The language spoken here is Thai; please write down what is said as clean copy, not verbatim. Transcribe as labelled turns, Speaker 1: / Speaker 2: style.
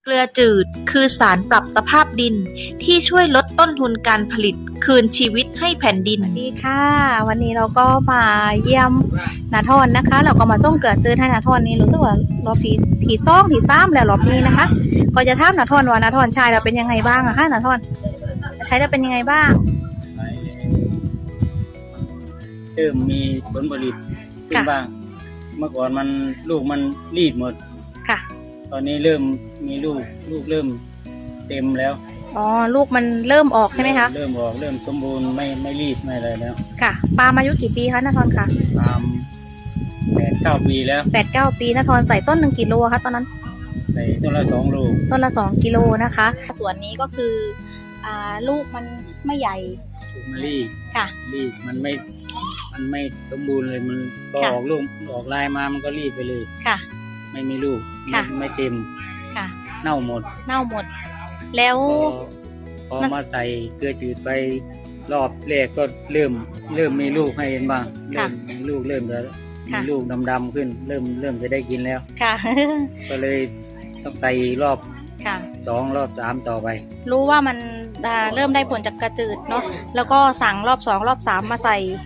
Speaker 1: เกลือจืดคือสารปรับสภาพดินที่ช่วยลดต้นทุนการผลิตคืนชีวิตให้แผ่นดินสวัสดีค่ะ วันนี้เราก็มาเยี่ยมนาทอนนะคะเราก็มาส่งเกลือจืดให้นาทอนนี่รู้สึกว่ารอบที่สองที่สามแล้วรอบนี้นะคะก็จะถามนาทอนว่านาทอนใช้เราเป็นยังไงบ้างอะคะนาทอนใช้แล้วเป็นยังไงบ้าง
Speaker 2: เริ่มมีผลผลิตขึ้นบ้าง เมื่อก่อนมันลูกมันรีบหมด
Speaker 1: ค่ะ
Speaker 2: ตอนนี้เริ่มมีลูกเริ่มเต็มแล้ว
Speaker 1: อ๋อลูกมันเริ่มออกใช่ไหมคะ
Speaker 2: เริ่มออกเริ่มสมบูรณ์ไม่รีบไม่อะไรแล้ว
Speaker 1: ค่ะปาล์มอายุกี่ปีคะนาทอนคะ
Speaker 2: ตาม8-9 ปีแล้ว
Speaker 1: 8-9 ปีนาทอนใส่ต้น1กิโลคะตอนนั้น
Speaker 2: ใส่ต้นละ2 โล
Speaker 1: ต้นละ2 กิโลนะคะส่วนนี้ก็คือลูกมันไม่ใหญ่
Speaker 2: ลูกมันรีบ
Speaker 1: ค่ะ
Speaker 2: รีบมันไม่สมบูรณ์เลยมันพอออกลูกออกลายมามันก็รีบไปเลย
Speaker 1: ค่ะ
Speaker 2: ไม่มีลูกไม่เต็ม
Speaker 1: ค่ะ
Speaker 2: เน่าหมด
Speaker 1: แล้ว
Speaker 2: พอมาใส่เกลือจืดไปรอบแรกก็เริ่มมีลูกให้เห็นบ้างเริ่มมีลูกเริ่มจะมีลูกดำๆขึ้นเริ่มจะได้กินแล้ว
Speaker 1: ค่ะ
Speaker 2: ก็เลยต้องใส่รอบ
Speaker 1: ค่ะ
Speaker 2: 2 รอบ 3ต่อไป
Speaker 1: รู้ว่ามันเริ่มได้ผลจากกระจืดเนาะแล้วก็สั่งรอบ 2 รอบ 3มาใส่